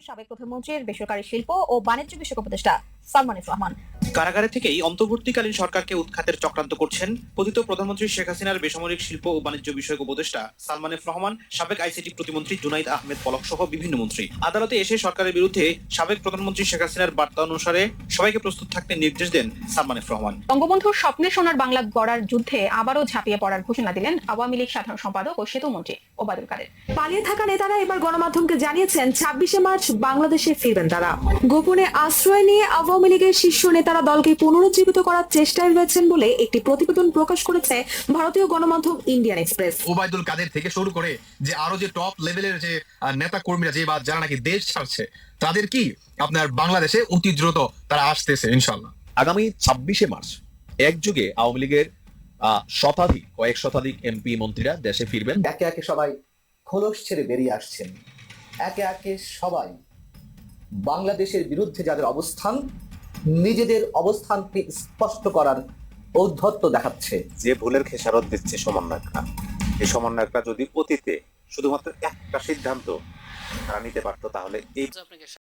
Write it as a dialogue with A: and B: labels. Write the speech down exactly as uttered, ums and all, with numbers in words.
A: সাবেক প্রধানমন্ত্রীর বেসরকারি শিল্প ও বাণিজ্য বিষয়ক উপদেষ্টা সালমান এফ রহমান।
B: কারাগারে থেকেই অন্তর্বর্তীকালীন সরকারকে উৎখাতের চক্রান্ত করছেন পতিত প্রধানমন্ত্রী শেখ হাসিনার বেসামরিক শিল্প ও বাণিজ্য বিষয়ক উপদেষ্টা সালমান এফ রহমান, সাবেক আইসিটি প্রতিমন্ত্রী জুনাইদ আহমেদ পলক সহ বিভিন্ন মন্ত্রী। আদালতে এসে সরকারের বিরুদ্ধে সাবেক প্রধানমন্ত্রী শেখ হাসিনার বার্তা অনুসারে সবাইকে প্রস্তুত থাকতে নির্দেশ দেন সালমান এফ রহমান।
A: বঙ্গবন্ধুর স্বপ্নে সোনার বাংলা গড়ার যুদ্ধে আবারও ঝাঁপিয়ে পড়ার ঘোষণা দিলেন আওয়ামী লীগ সাধারণ সম্পাদক ও সেতু মন্ত্রী ওবায়দুল কাদের।
C: পালিয়ে থাকা নেতারা এবার গণমাধ্যমকে জানিয়েছেন ছাব্বিশে মার্চ বাংলাদেশে ফিরবেন তারা। গোপনে আশ্রয় নিয়ে আওয়ামী লীগের শীর্ষ নেতারা দলকে পুনরুজ্জীবিত করার চেষ্টায় রয়েছেন বলে একটি প্রতিবেদন প্রকাশ করেছে ভারতীয় গণমাধ্যম ইন্ডিয়ান এক্সপ্রেস।
D: ওবায়দুল কাদের থেকে শুরু করে যে আরো যে টপ লেভেলের যে নেতা কর্মীরা যে বা যারা নাকি দেশ ছাড়ছে তাদের কি আপনার বাংলাদেশে অতি দ্রুত তারা আসতেছে ইনশাল্লাহ।
E: আগামী ছাব্বিশে মার্চ একযুগে আওয়ামী লীগের শতাধিক কয়েক শতাধিক এমপি মন্ত্রীরা দেশে ফিরবেন।
F: একে একে সবাই খোলস ছেড়ে বেরিয়ে আসছেন। একে একে সবাই বাংলাদেশের বিরুদ্ধে যাদের অবস্থান, নিজেদের অবস্থানকে স্পষ্ট করার ঔদ্ধত্য দেখাচ্ছে।
G: যে ভুলের খেসারত দিচ্ছে সমন্বয়করা, এই সমন্বয়করা যদি অতীতে শুধুমাত্র একটা সিদ্ধান্ত তারা নিতে পারতো তাহলে এই